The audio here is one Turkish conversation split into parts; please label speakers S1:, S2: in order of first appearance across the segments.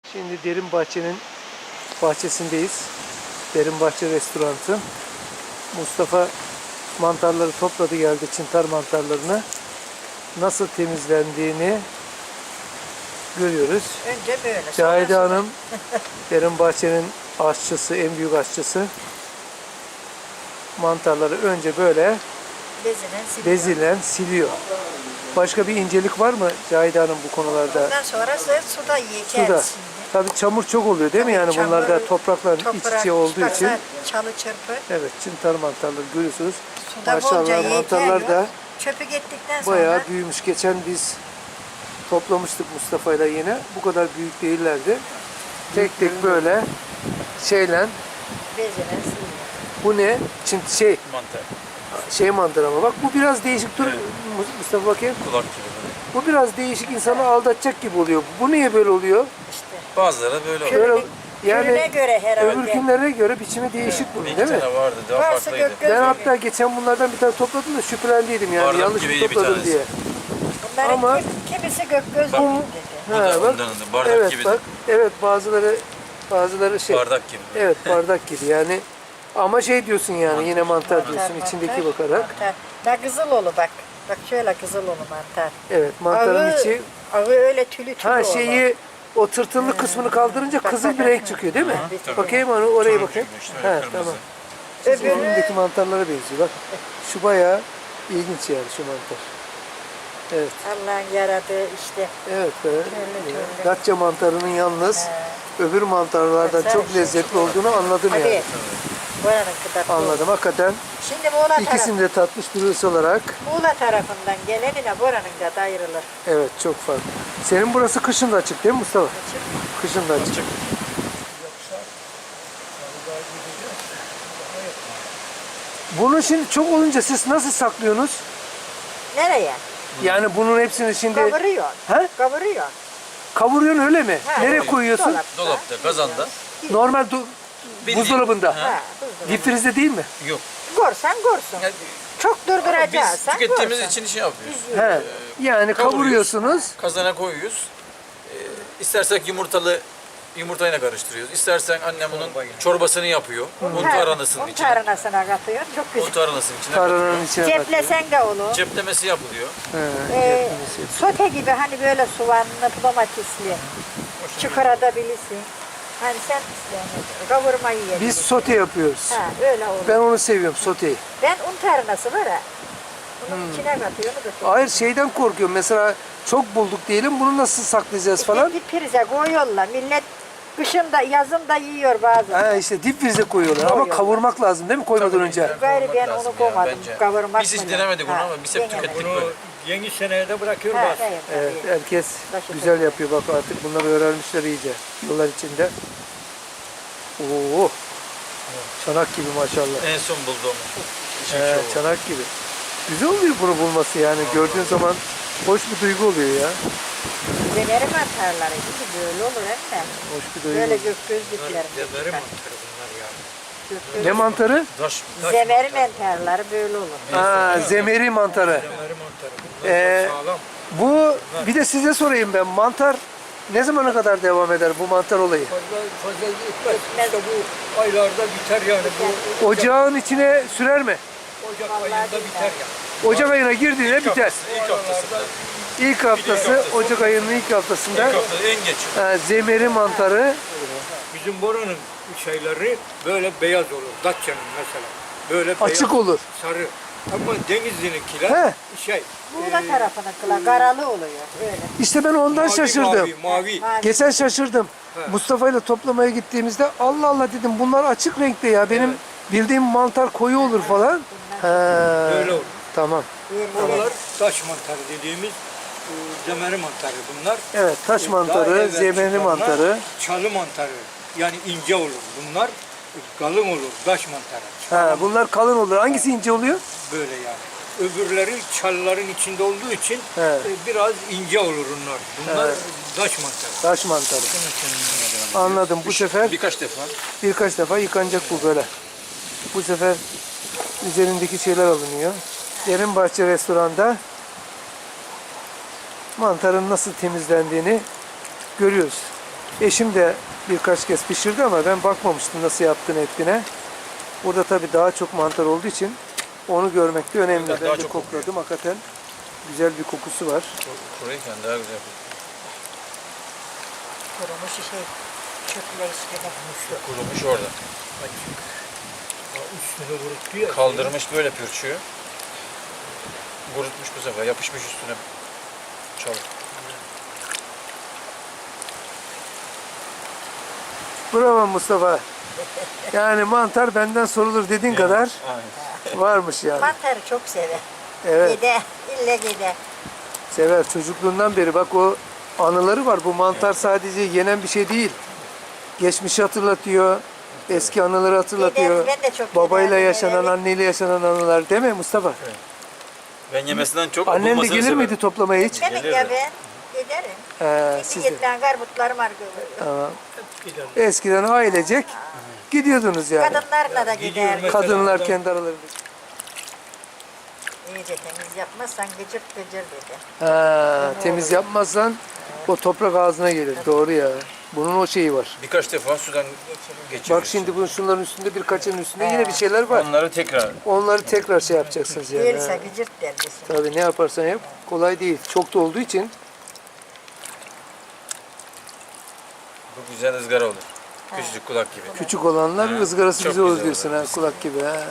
S1: Şimdi Derin Bahçe'nin bahçesindeyiz. Derin Bahçe Restoranı. Mustafa mantarları topladı geldi, çıntar mantarlarını. Nasıl temizlendiğini görüyoruz.
S2: Önce böyle.
S1: Cahide Hanım, Derin Bahçe'nin aşçısı, en büyük aşçısı. Mantarları önce böyle bezilen siliyor. Başka bir incelik var mı Cahide Hanım bu konularda?
S2: Ondan sonra suda yıkar.
S1: Suda. Tabii çamur çok oluyor değil mi? Yani
S2: Çamur,
S1: bunlarda toprakla iç içe olduğu için.
S2: Çalı çırpı.
S1: Evet, çıntar mantarları görüyorsunuz.
S2: Suda bolca
S1: Maşallah mantarlar da
S2: çöpü gittikten sonra
S1: bayağı büyümüş. Geçen biz toplamıştık Mustafa'yla yine. Bu kadar büyük değillerdi. Tek tek böyle şeyle.
S2: bezilen siliyor.
S1: Bu ne?
S3: Mantar.
S1: Şey mantar ama bak bu biraz değişik. Dur
S3: Evet.
S1: Mustafa bakayım.
S3: Kulak gibi.
S1: Bu biraz değişik, insanı aldatacak gibi oluyor. Bu niye böyle oluyor?
S2: İşte.
S3: Bazıları böyle oluyor.
S1: Böyle,
S2: Türüne göre herhalde.
S1: öbürkünlere göre biçimi değişik bunun
S3: Bir
S1: değil mi?
S3: tane vardı, daha
S2: Varsa
S3: farklıydı.
S2: gök-
S1: Ben hatta geçen bunlardan bir tane topladım da şüphelendiydim yani
S3: Bardak
S1: yanlış mı
S3: gibiydi bir
S1: topladım
S3: tanesi.
S1: diye.
S2: Bunların
S1: Ama-
S2: kimisi gök göz
S3: Bak-
S2: dedi.
S3: Bu da
S1: Ha, bak.
S3: ondandı. Bardak
S1: Evet
S3: gibi.
S1: bak. Evet bazıları şey.
S3: Bardak gibi.
S1: Evet bardak gibi yani. Ama şey diyorsun yani yine mantar diyorsun
S2: Mantar,
S1: içindeki
S2: mantar,
S1: bakarak.
S2: Mantar. Da kızılolu bak. Bak şöyle kızılolu mantar.
S1: Evet mantarın içi.
S2: Ağı öyle tülü
S1: Ha
S2: olur.
S1: şeyi o tırtıllı kısmını kaldırınca
S2: Bak,
S1: kızıl
S2: bak,
S1: bir
S2: bak.
S1: renk çıkıyor değil mi?
S2: Tabii.
S1: Bakayım onu oraya
S3: Turuncu
S1: bakayım.
S3: gibi işte, öyle
S1: Ha
S3: kırmızı.
S1: tamam. Sizin
S2: Öbürü-
S1: elindeki mantarlara benziyor bak. Şu bayağı ilginç yani şu mantar. Evet.
S2: Allah'ın yaradığı işte.
S1: Evet be.
S2: Öyle.
S1: Datça mantarının yalnız öbür mantarlardan
S2: Sen
S1: çok
S2: işte
S1: lezzetli olduğunu anladım
S2: Hadi.
S1: yani.
S2: Buranın kıdatlı.
S1: Anladım hakikaten.
S2: Şimdi Muğla,
S1: İkisini de tatmış birisi olarak.
S2: Muğla tarafından gelenine buranın da ayrılır.
S1: Evet çok farklı. Senin burası kışın da açık değil mi Mustafa?
S2: Açık.
S1: Kışın da açık. Bunu şimdi çok olunca siz nasıl saklıyorsunuz?
S2: Nereye?
S1: Yani bunun hepsini şimdi
S2: Kavuruyor.
S1: He?
S2: Kavuruyor.
S1: kavuruyorsun öyle mi?
S2: Ha,
S1: Nereye
S2: evet.
S1: koyuyorsun?
S3: Dolapta, kazanda.
S1: Normal
S3: Bildiğin-
S1: buzdolabında.
S2: Ha, buzdolabı.
S1: Difrizde değil mi?
S3: Yok.
S2: Gorsan gorsun.
S3: Yani
S2: Çok
S3: biz
S2: durduracaksan
S3: tükettiğimiz
S2: gorsan.
S3: için şey yapıyoruz.
S1: He. Yani
S3: kavuruyoruz.
S1: kavuruyorsunuz.
S3: Kazana koyuyoruz. İstersek yumurtayla karıştırıyoruz. İstersen annem bunun çorbasını yapıyor. Un tarhanasının
S2: Un
S3: içine.
S2: tarhanasına katıyor. Çok
S3: Un
S2: güzel.
S3: tarhanasının içine katıyor.
S1: Tarhananın içine katıyor.
S2: Ceplesen de olur.
S3: Ceplemesi yapılıyor.
S1: He,
S2: Sote gibi hani böyle soğanlı, domatesli. Çıkarabilirsin. Hani sen isteyen kavurmayı yiyebilirsin.
S1: Biz sote yapıyoruz.
S2: Ha, öyle olur.
S1: Ben onu seviyorum soteyi.
S2: Ben un tarhanası var ha. Bunun içine katıyor, onu da
S1: Hayır şeyden korkuyorum. Mesela çok bulduk diyelim. Bunu nasıl saklayacağız falan?
S2: Dip prize koyuyorlar. Millet kışında, yazında yiyor bazen.
S1: Ha işte dip frize koyuyorlar. Ama
S2: Koyuyorlar.
S1: kavurmak lazım değil mi koymadan önce?
S2: Gayrı ben
S3: lazım
S2: onu
S3: ya,
S2: koymadım.
S3: bence.
S2: Kavurmak
S3: Biz hiç
S2: mı?
S3: denemedik onu
S2: Ha,
S3: ama biz hep
S2: denemedim.
S3: tükettik
S4: Bunu
S3: böyle.
S4: yeni seneye de bırakıyoruz.
S2: Ha,
S4: bak.
S2: evet,
S1: Evet,
S2: tabii.
S1: herkes
S2: Başı
S1: güzel
S2: tabii.
S1: yapıyor. Bak artık bunları öğrenmişler iyice. Yıllar içinde. Oo. Çanak gibi maşallah.
S3: En son bulduğum.
S1: Çanak gibi. Güzel oluyor bunu bulması yani. Gördüğün zaman hoş bir duygu oluyor ya.
S2: Döneri mantarları gibi böyle olur hem de.
S1: Hoş bir duygu.
S2: Böyle
S1: oluyor.
S2: gök gözlükler.
S4: Zemeri mantarı bunlar ya.
S1: Ne mantarı?
S3: Taş.
S2: Zemeri mantarları böyle olur.
S1: Ha, zemeri mantarı.
S4: Zemeri mantarı. Bunlar
S1: Ee,
S4: sağlam.
S1: Bu bir de size sorayım ben. Mantar ne zamana kadar devam eder bu mantar olayı?
S4: Fazla gitmez. İşte bu aylarda biter yani. Bu
S1: Ocağın içine sürer mi?
S4: Ocak ayında biter yani.
S1: Ocak ayına girdiğinde biter.
S3: İlk haftasında.
S1: İlk haftası, Ocak ayının ilk haftasında
S3: İlk haftada en geç.
S1: zemeri mantarı.
S4: Bizim buranın şeyleri böyle beyaz olur. Datça'nın mesela. Böyle
S1: Açık
S4: beyaz,
S1: olur.
S4: sarı. Ama Denizli'ninkiler
S1: He.
S4: şey.
S2: Muğla tarafına kıla karalı oluyor. Öyle.
S1: İşte ben ondan
S4: mavi,
S1: şaşırdım.
S4: Mavi.
S1: Geçen şaşırdım.
S4: He.
S1: Mustafa ile toplamaya gittiğimizde Allah Allah dedim bunlar açık renkte ya. Benim bildiğim mantar koyu olur falan. He.
S4: Öyle olur.
S1: Tamam.
S4: Bunlar taş mantarı dediğimiz zemeri mantarı bunlar.
S1: Evet taş
S4: Daha
S1: mantarı,
S4: evvel
S1: zemeri
S4: çıkanlar
S1: mantarı.
S4: Çalı mantarı. Yani ince olur. Bunlar kalın olur. Taş mantarı.
S1: Ha, bunlar kalın olur. Hangisi ince oluyor?
S4: Böyle yani. Öbürleri çalıların içinde olduğu için
S1: He.
S4: biraz ince olur onlar. Bunlar taş mantarı.
S1: Taş mantarı. Anladım. Bu sefer
S3: Birkaç defa.
S1: yıkanacak bu böyle. Bu sefer üzerindeki şeyler alınıyor. Derin Bahçe restoranda mantarın nasıl temizlendiğini görüyoruz. Eşim de birkaç kez pişirdi ama ben bakmamıştım nasıl yaptığını ettiğine. Burada tabii daha çok mantar olduğu için onu görmek de önemli.
S3: Daha
S1: Ben de
S3: çok
S1: kokladım. Hakikaten güzel bir kokusu var.
S3: Kuruyken daha güzel yapıyor.
S2: Kurumuş çöpler üstüne.
S3: Kurumuş orada.
S4: Üstüne vuruttu ya.
S3: Kaldırmış böyle pürçüğü. Kurutmuş bu sefer. Yapışmış üstüne. Çabuk.
S1: Bravo Mustafa. Yani mantar benden sorulur dediğin kadar
S3: Aynen.
S1: varmış yani.
S2: Mantarı çok sever.
S1: Evet,
S2: Gide, ille gide.
S1: sever. Çocukluğundan beri bak o anıları var. Bu mantar sadece yenen bir şey değil. Geçmişi hatırlatıyor. Eski anıları hatırlatıyor.
S2: Ben de çok
S1: Babayla
S2: giderdim,
S1: yaşanan,
S2: evet.
S1: anneyle yaşanan anılar değil mi Mustafa?
S3: Ben yemesinden çok
S1: Annen de
S3: bulmasını
S1: gelir
S3: severim.
S1: miydi toplamaya hiç?
S2: Demek
S3: Gelirdi.
S2: ya ben giderim.
S1: Siz
S2: Şimdi
S1: de.
S2: getirilen garbutlarım var görüyorum.
S1: Tamam.
S4: Gidelim.
S1: Eskiden ailecek gidiyordunuz yani.
S2: Kadınlarla da
S4: gidiyorum
S2: giderdim.
S4: ben.
S1: Kadınlar
S4: Mesela
S1: kendi aralarında.
S2: İyice temiz yapmazsan gıcır gıcır dedi.
S1: Ha, temiz yapmazsan o toprak ağzına gelir. Doğru ya. Bunun o şeyi var.
S3: Birkaç defa sudan geçiriyoruz.
S1: Bak şimdi bunun şunların üstünde birkaçının üstünde yine bir şeyler var.
S3: Onları tekrar.
S1: Onları tekrar şey yapacaksınız yani.
S2: Değilse
S1: Ha.
S2: gıcırt derdisin.
S1: Tabii ne yaparsan yap kolay değil. Çok da olduğu için
S3: Bu güzel ızgara olur. Küçücük kulak gibi.
S1: küçük olanlar
S3: Ha,
S1: ızgarası
S3: çok
S1: güzel olur
S3: güzel
S1: diyorsun
S3: olur.
S1: ha kulak gibi ha.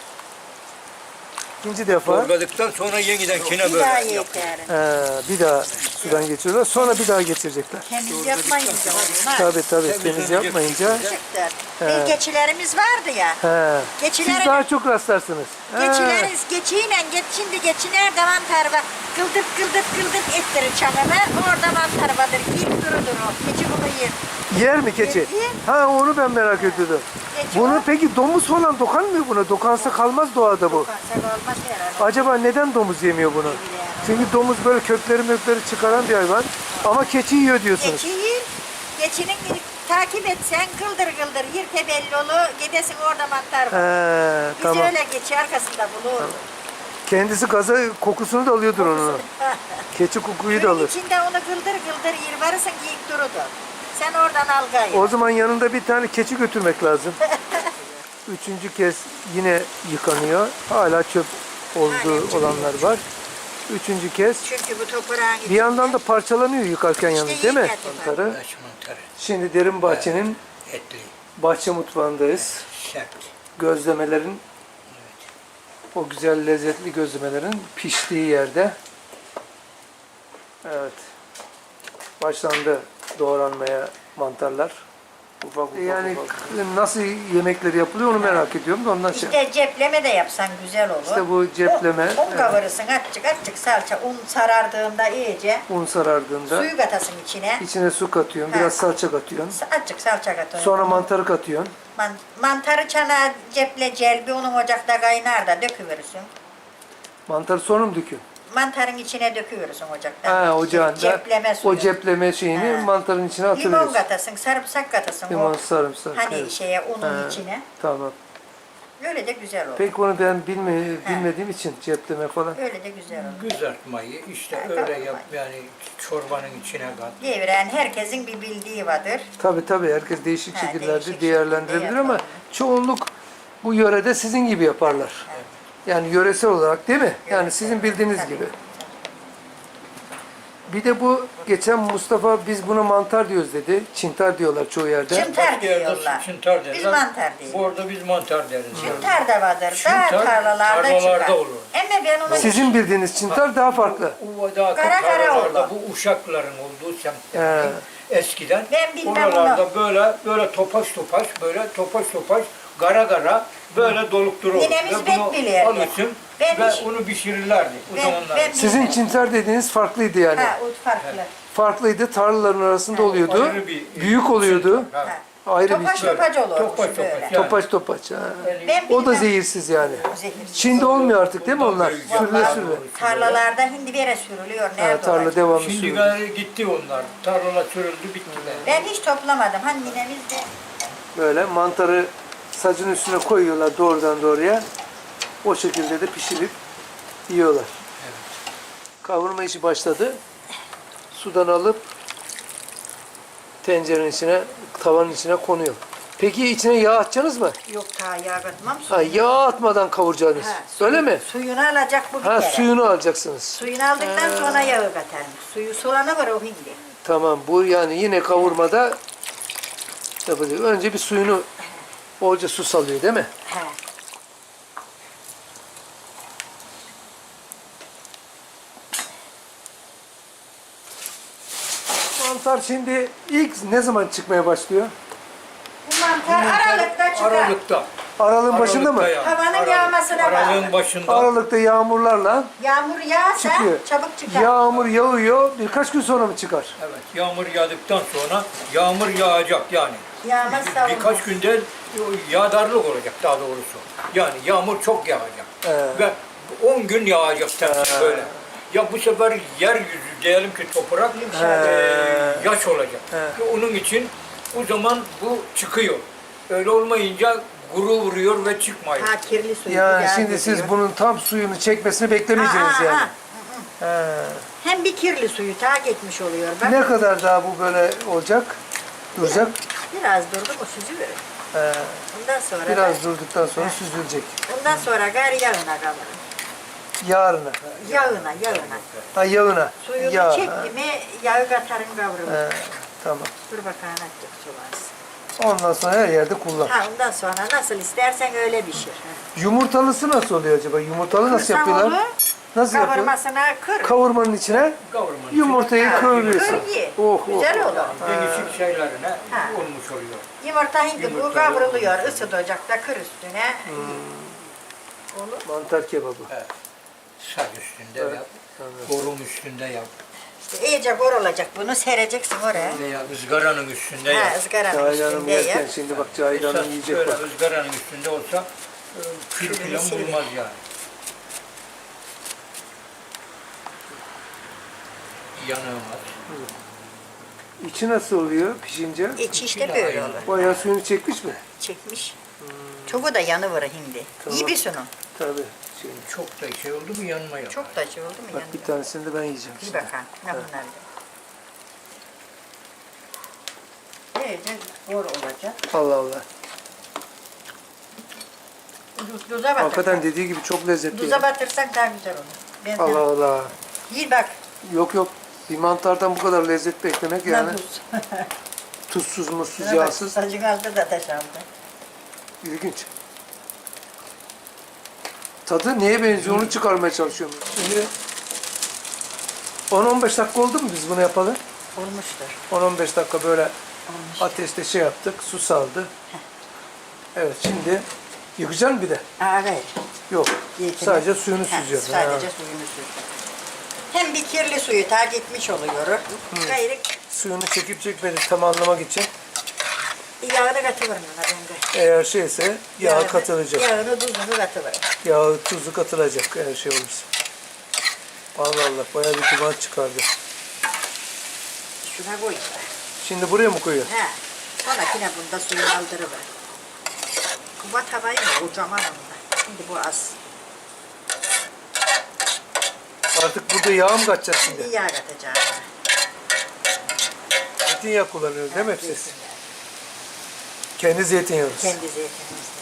S1: İkinci defa
S4: Torbadıktan sonra yeniden kine
S2: Bir
S4: böyle
S2: daha
S4: yapıyor.
S2: yeterim.
S1: bir daha sudan geçiyorlar. Sonra bir daha geçirecekler.
S2: Temiz yapmayınca olmaz.
S1: Tabii temiz yapmayınca.
S2: Gıcırttır. Bir geçilerimiz vardı ya.
S1: He. Siz
S2: Geçileri-
S1: daha çok rastlarsınız. Ha.
S2: Şimdi geçiner de mantar var. Gıldırt ettirir çanını. Orada mantar vardır. Git durudur o. Keçi bunu yer.
S1: Yer mi keçi?
S2: Yer.
S1: Ha onu ben merak ediyordum.
S2: Keçi
S1: Bunu
S2: o.
S1: peki domuz falan dokanmıyor buna. Dokansa kalmaz doğada bu.
S2: Kanser olmaz herhalde.
S1: Acaba neden domuz yemiyor bunu? Çünkü domuz böyle kökleri çıkaran bir hayvan. Ama keçi yiyor diyorsunuz.
S2: Keçi yer. Keçinin takip etsen gıldır yirte belli olur. Gidesin orada mantar var.
S1: He,
S2: Biz
S1: tamam.
S2: öyle geçi arkasında bulur.
S1: Kendisi gaza kokusunu da alıyordur onun. Keçi kokuyu da
S2: Suyun
S1: alır.
S2: içinde onu gıldır yer varırsın giyik durudur. Sen oradan al gayet.
S1: O zaman yanında bir tane keçi götürmek lazım. Üçüncü kez yine yıkanıyor. Hala çöp olduğu olanlar var. Üçüncü kez.
S2: Çünkü bu toprağın
S1: Bir yandan da parçalanıyor yıkarken yalnız değil mi?
S2: yıkarken
S1: Mantarı.
S4: Taş mantarı.
S1: Şimdi derin bahçenin
S4: Etli.
S1: bahçe mutfağındayız.
S4: Sert.
S1: Gözlemelerin o güzel lezzetli gözlemelerin piştiği yerde. Evet. Başlandı doğranmaya mantarlar. Ufak. Yani nasıl yemekleri yapılıyor onu merak ediyorum da ondan şey.
S2: İşte cepleme de yapsan güzel olur.
S1: İşte bu cepleme,
S2: Un kavurursın azıcık salça. Un sarardığında iyice
S1: un sarardığında
S2: suyu katasın içine.
S1: içine su katıyorsun,
S2: Ha.
S1: biraz salça katıyorsun.
S2: Azıcık salça katıyorsun.
S1: Sonra mantarı katıyorsun.
S2: Mantarı çana ceple celbi onun ocakta kaynar da döküverirsin.
S1: Mantarı sonra mı döküyorsun?
S2: Mantarın içine döküverirsin ocakta.
S1: Ha, ocağında
S2: Cepleme suyu.
S1: o cepleme şeyini
S2: Ha.
S1: mantarın içine
S2: Limon
S1: atıyorsun.
S2: katasın, sarımsak katasın.
S1: Limon,
S2: o
S1: sarımsak.
S2: hani
S1: evet.
S2: şeye unun
S1: Ha.
S2: içine.
S1: Tamam.
S2: Öyle de güzel olur.
S1: Peki onu ben bilmediğim için cepleme falan.
S2: Öyle de güzel olur.
S4: Kızartmayı işte
S2: Ha,
S4: öyle
S2: kavurmayı.
S4: yap yani çorbanın içine kat.
S2: Devren herkesin bir bildiği vardır.
S1: Tabii herkes değişik
S2: Ha,
S1: şekillerde
S2: değişik
S1: değerlendirebilir
S2: şekilde
S1: ama
S2: yapar.
S1: çoğunluk bu yörede sizin gibi yaparlar. Yani yöresel olarak değil mi? Yani sizin bildiğiniz
S2: Tabii.
S1: gibi. Bir de bu geçen Mustafa biz buna mantar diyoruz dedi. Çintar diyorlar çoğu yerde.
S2: Çıntar
S4: Başka yerde
S2: diyorlar.
S4: çıntar derler.
S2: Biz mantar diyoruz.
S4: Orada biz mantar deriz.
S2: Çıntar da vardır. Dağ
S4: Çıntar,
S2: tarlalarda
S4: tarlalarda
S2: çıkar.
S4: olur.
S2: Ama ben onu
S1: Sizin bildiğiniz çintar daha farklı.
S4: Uvada
S2: Kara
S4: tarlalarda
S2: oldu.
S4: bu uşakların olduğu
S1: He.
S4: semtlerde eskiden
S2: Ben bilmem
S4: oralarda böyle topaş gara böyle dolup durur.
S2: Ninemiz
S4: Ve
S2: pek
S4: bunu
S2: bilirdi.
S4: alırsın
S2: Ben
S4: ve
S2: hiç-
S4: onu pişirirlerdi o zamanlar.
S2: ben
S1: Sizin
S2: bilmem.
S1: çintar dediğiniz farklıydı yani.
S2: Ha, o farklı.
S1: Farklıydı. Tarlaların arasında oluyordu.
S4: Ayrı bir-
S1: büyük oluyordu.
S4: Ha.
S2: Ha.
S1: Ayrı bir
S2: Topaç
S1: şey.
S2: topaç olur
S4: Topaç
S2: böyle.
S4: topaç.
S1: Topaç topaç. Ha.
S2: Ben
S1: O da
S2: bilmem.
S1: zehirsiz yani.
S2: Zehirsiz.
S1: Şimdi olmuyor artık değil mi onlar? Sürüle
S2: Vallahi
S1: sürüle.
S2: Tarlalarda hindi vere sürülüyor.
S1: Ha,
S2: Nerede
S1: tarla
S2: olacak?
S1: devamlı
S4: Şimdi
S1: sürüyor.
S4: gari gitti onlar. Tarlalar sürüldü bittiler.
S2: Ben hiç toplamadım. Hani ninemiz de
S1: Böyle mantarı sacın üstüne koyuyorlar doğrudan doğruya. O şekilde de pişirip yiyorlar. Kavurma işi başladı. Sudan alıp tencerenin içine, tavanın içine konuyor. Peki içine yağ atacaksınız mı?
S2: Yok ta yağ katmam.
S1: Ha, yağ atmadan kavuracaksınız.
S2: Ha,
S1: Öyle mi?
S2: Suyunu alacak bu bir
S1: Ha,
S2: kere.
S1: suyunu alacaksınız.
S2: Suyunu aldıktan sonra yağı katarım. Suyu soğanı var o hindi.
S1: Tamam, bu yani yine kavurmada yapacak. Önce bir suyunu, bolca su salıyor değil mi?
S2: He.
S1: Mantar şimdi ilk ne zaman çıkmaya başlıyor?
S2: Bu mantar Aralık'ta çıkar.
S4: Aralıkta.
S1: Aralığın başında mı?
S4: Aralıkta yani.
S2: Havanın yağmasına
S4: Aralığın
S2: bağlı.
S4: başında.
S1: Aralıkta yağmurlarla
S2: Yağmur yağsa
S1: çıkıyor.
S2: çabuk çıkar.
S1: Yağmur yağıyor, birkaç gün sonra mı çıkar?
S4: Evet, yağmur yağdıktan sonra yağmur yağacak yani.
S2: Yağmazsa
S4: Birkaç
S2: olmaz.
S4: günde yağdarlık olacak daha doğrusu. Yani yağmur çok yağacak. Ve 10 gün yağacak tepsi böyle. Ya bu sefer yeryüzü diyelim ki toprak yaş olacak. Ve onun için o zaman bu çıkıyor. Öyle olmayınca kuru vuruyor ve çıkmıyor.
S2: Ha kirli suyu.
S1: Yani
S2: yağ
S1: şimdi
S2: gidiyor.
S1: siz bunun tam suyunu çekmesini beklemeyeceksiniz
S2: Ha, ha,
S1: yani.
S2: ha.
S1: He.
S2: Hem bir kirli suyu tak etmiş oluyor. Bak
S1: Ne kadar daha bu böyle olacak? Duracak?
S2: biraz durdu mu süzülür.
S1: He.
S2: Ondan sonra
S1: Biraz durduktan sonra süzülecek.
S2: ondan sonra gari yağına kalır.
S1: Yarına.
S2: Yağına.
S1: Ha, yağına.
S2: Suyunu
S1: Yağ.
S2: çekti mi yağı katarın kavrulur.
S1: He. Tamam.
S2: Dur bakalım attık sularız.
S1: Ondan sonra her yerde kullan.
S2: Ha ondan sonra nasıl istersen öyle pişir.
S1: Yumurtalısı nasıl oluyor acaba? Yumurtalı nasıl
S2: Kırsan
S1: yapıyorlar?
S2: onu,
S1: Nasıl yapıyorlar?
S2: kavurmasına kır.
S1: Kavurmanın içine
S4: Kavurmanın
S1: yumurtayı
S2: Ha,
S1: kıvırıyorsun.
S2: kır ye.
S1: Oh, oh.
S2: Güzel olur.
S4: değişik şeylerine
S2: Ha.
S4: olmuş oluyor.
S2: Yumurta hindi bu
S4: Yumurta
S2: kavruluyor. Isıt ocakta kır üstüne. Olur.
S1: Mantar kebabı.
S4: Saç üstünde yap, borum üstünde yap
S2: İşte iyice olacak bunu sereceksin oraya.
S4: veya ızgaranın üstünde
S2: Ha
S4: yap.
S2: ızgaranın
S1: Cahil Hanım
S2: üstünde
S1: yerken
S2: yap.
S1: şimdi bak Cahil Hanım yiyecek
S4: Böyle
S1: bak.
S4: ızgaranın üstünde olsa kül
S2: Külünü
S4: falan
S2: silin.
S4: bulmaz yani. Yanılmaz.
S1: İçi nasıl oluyor pişince?
S2: İç işte böyle olur.
S1: Bayağı suyunu çekmiş mi?
S2: Çekmiş. Çoğu da yanıvır hindi.
S1: Tamam.
S2: İyi bir sunum.
S1: Tabii. Şimdi.
S4: Çok da şey oldu mu yanmaya.
S2: Çok da şey oldu mu
S1: Bak bir
S2: yanıyor.
S1: tanesini de ben yiyeceğim
S2: Bir
S1: şimdi.
S2: bakalım. Ne bunlar da. İyice bor olacak.
S1: Allah Allah.
S2: Tuza batır.
S1: Hakikaten dediği gibi çok lezzetli.
S2: Tuza
S1: ya.
S2: batırsan daha güzel olur. Ben
S1: Allah Allah.
S2: Yiyin bak.
S1: Yok yok. Bir mantardan bu kadar lezzet beklemek yani.
S2: Ne tuz.
S1: Tuzsuz, mutsuz,
S2: Şuna bak,
S1: yağsız.
S2: Sacın aldı da taş aldı.
S1: İlginç. Tadı neye benziyor onu çıkarmaya çalışıyorum. Şimdi 10-15 dakika oldu mu biz bunu yapalı?
S2: Olmuştur.
S1: 10-15 dakika böyle
S2: Olmuş.
S1: ateşte şey yaptık, su saldı. Evet şimdi yıkacaksın bir de.
S2: Aa, evet.
S1: Yok.
S2: İlkine.
S1: Sadece suyunu
S2: Ha,
S1: süzüyorsun.
S2: Sadece
S1: Ha.
S2: suyunu süzüyor. Hem bir kirli suyu tak etmiş oluyor. Gayrı
S1: Suyunu çekip çekmedi tam anlamak için
S2: yağını katıverin ona bende.
S1: eğer şeyse yağ katılacak.
S2: Yağını tuzunu katıverin.
S1: Yağı tuzu katılacak eğer şey olursa. Allah Allah bayağı bir duman çıkardı.
S2: Şuna koy.
S1: Şimdi buraya mı koyuyor?
S2: He. Sonrakine bunda suyunu aldırıver. Kuba tavayı mı? Kocaman onda. Şimdi bu az.
S1: Artık burada yağ mı katacağız şimdi?
S2: Şimdi yağ katacağım.
S1: Zeytinyağı kullanıyoruz değil mi hep siz?
S2: Zeytinyağı.
S1: Kendi zeytinyağınız.
S2: Kendi zeytinimizde.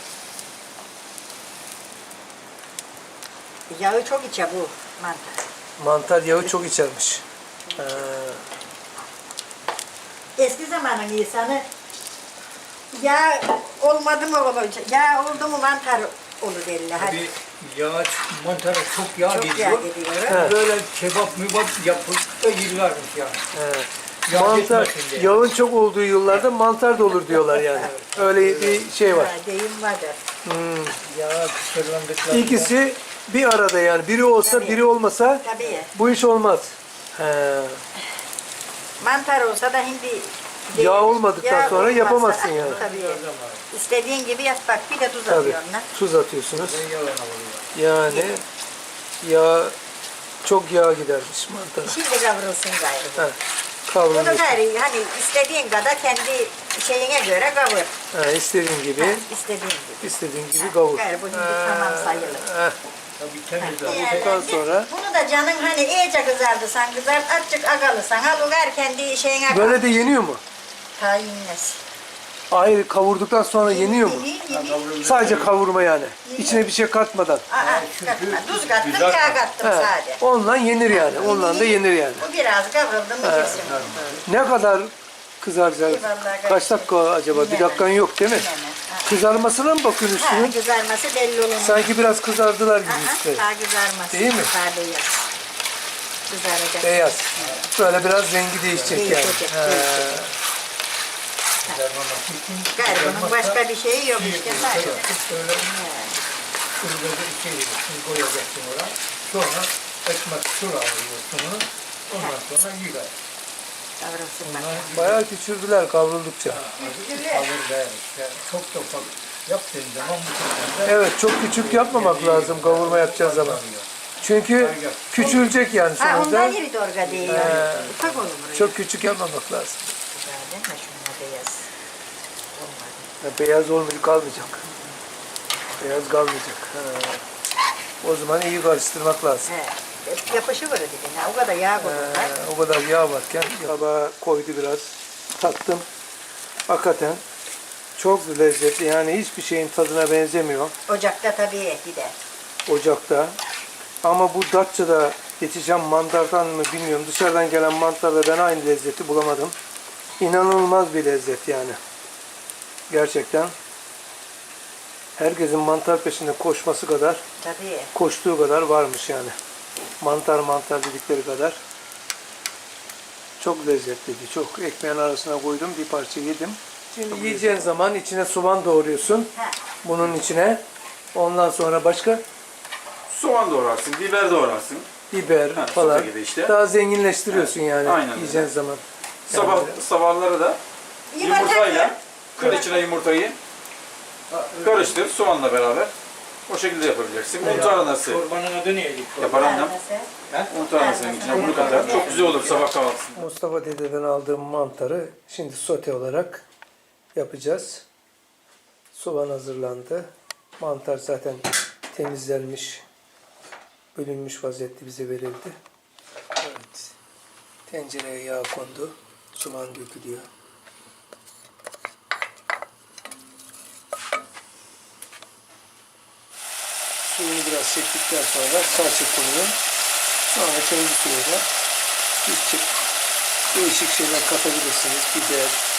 S2: Yağı çok içe bu mantar.
S1: Mantar yağı çok içermiş. Ha.
S2: Eski zamanın insanı yağ olmadı mı olacak, yağ oldu mu mantar olur derler. Hadi.
S4: Bir yağ, mantara çok yağ
S2: Çok yağ
S4: gidiyor.
S2: gidiyor.
S1: Evet.
S4: Böyle kebap mübap yapıp da yıllarmış yani.
S1: Evet.
S4: Yağ
S1: Mantar,
S4: gitmesin diye.
S1: yağın çok olduğu yıllarda mantar da olur diyorlar yani. Öyle bir şey var.
S2: Ha, deyim vardır.
S4: Yağ kısırlandıklarında.
S1: İkisi bir arada yani. Biri olsa
S2: Tabii.
S1: biri olmasa
S2: Tabii.
S1: bu iş olmaz. He.
S2: Mantar olsa da hindi
S1: Yağ olmadıktan sonra
S2: olmazsa-
S1: yapamazsın yani.
S2: Tabii. İstediğin gibi yap bak bir de tuz
S1: Tabii.
S2: atıyorsun lan.
S1: Tuz atıyorsunuz.
S4: Yalan oluyor.
S1: Yani yağ çok yağ gidermiş mantar.
S2: Şimdi kavrulsun gayrı.
S1: Ha. Kavrulmuş.
S2: Bunu gayrı hani istediğin kadar kendi şeyine göre kavur.
S1: Ha, istediğin gibi.
S2: Ha, istediğin gibi.
S1: İstediğin gibi kavur.
S2: Gayrı bu hindi tamam sayılır.
S1: Ha.
S4: Tabii temizler.
S1: Ondan sonra
S2: Bunu da canın hani iyice kızardı sen kızart azıcık agalısan al ugar kendi şeyine
S1: böyle de yeniyor mu?
S2: Tahinmez.
S1: Hayır, kavurduktan sonra yeniyor mu? Sadece kavurma yani. İçine bir şey katmadan.
S2: Katma. Tuz kattım,
S4: Güzel.
S2: yağ kattım
S1: He,
S2: sadece.
S1: onunla yenir yani. Onunla da yenir yani.
S2: Bu biraz kavruldu mu yesin.
S1: Ne kadar kızaracak?
S2: Vallahi
S1: Kaç dakika acaba? Bir
S2: Bilemem.
S1: dakikan yok değil mi?
S2: Bilemem. Ha.
S1: Kızarmasına mı bakıyorsun
S2: Ha,
S1: üstünün?
S2: kızarması belli olur.
S1: Sanki biraz kızardılar gibi üstü.
S2: Daha kızarması.
S1: Değil mi?
S2: Daha beyaz. Kızaracak.
S1: Beyaz. Böyle biraz rengi değişecek yani.
S2: Değişecek,
S1: He.
S2: değişecek. Gayrı bunun başka bir şeyi yok işte sadece.
S4: Öyle kırmızı şey koyacaksın oraya. Sonra ekmek sur alıyorsun. Ondan sonra yıkar.
S2: Kavrulsun bak.
S1: Bayağı küçüldüler kavruldukça.
S4: Alır der işte. Çok da ufak yaptığın zaman bu sefer de
S1: Evet, çok küçük yapmamak lazım kavurma yapacağız zaman. Çünkü küçülecek yani
S2: Ha
S1: sonuçta.
S2: ondan yeri dorga değil. Ufak olur buraya.
S1: Çok küçük yapmamak lazım.
S2: Güzel değil mi? Şununla beyaz. Olmadı.
S1: Ya beyaz olmayacak, kalmayacak. Beyaz kalmayacak. Ha. O zaman iyi karıştırmak lazım.
S2: He. Yapışı var dibine. O kadar yağ koydular.
S1: O kadar yağ varken tabağa koydu biraz. Tattım. Hakikaten çok lezzetli. Yani hiçbir şeyin tadına benzemiyor
S2: Ocakta tabii gider.
S1: ocakta. Ama bu Datça'da yetişen mantardan mı bilmiyorum. Dışarıdan gelen mantarda ben aynı lezzeti bulamadım. İnanılmaz bir lezzet yani. Gerçekten. Herkesin mantar peşinde koşması kadar,
S2: Tabii.
S1: koştuğu kadar varmış yani. Mantar mantar dedikleri kadar. Çok lezzetliydi. Çok. Ekmeğin arasına koydum. Bir parça yedim. Şimdi yiyeceğin zaman içine soğan doğruyorsun.
S2: Ha.
S1: Bunun içine. Ondan sonra başka
S3: Soğan doğrarsın, biber doğrarsın.
S1: biber
S3: Ha,
S1: falan.
S3: sote gibi işte.
S1: Daha zenginleştiriyorsun yani
S3: Aynen öyle.
S1: yiyeceğin zaman.
S3: Sabahları da yumurtayla kır içine yumurtayı karıştır soğanla beraber. O şekilde yapabileceksin. Un tarhanası
S4: çorbanın adı neydi?
S3: yapar annem. Un tarhanasının içine bunu katar. Çok güzel olur sabah kahvaltısında.
S1: Mustafa dededen aldığım mantarı şimdi sote olarak yapacağız. Soğan hazırlandı. Mantar zaten temizlenmiş, bölünmüş vaziyette bize verildi. Evet. Tencereye yağ kondu. Soğan dökülüyor. Suyunu biraz çektikten sonra salça konuyor. Sonra kendi suyuna değişik şeyler katabilirsiniz. Biber,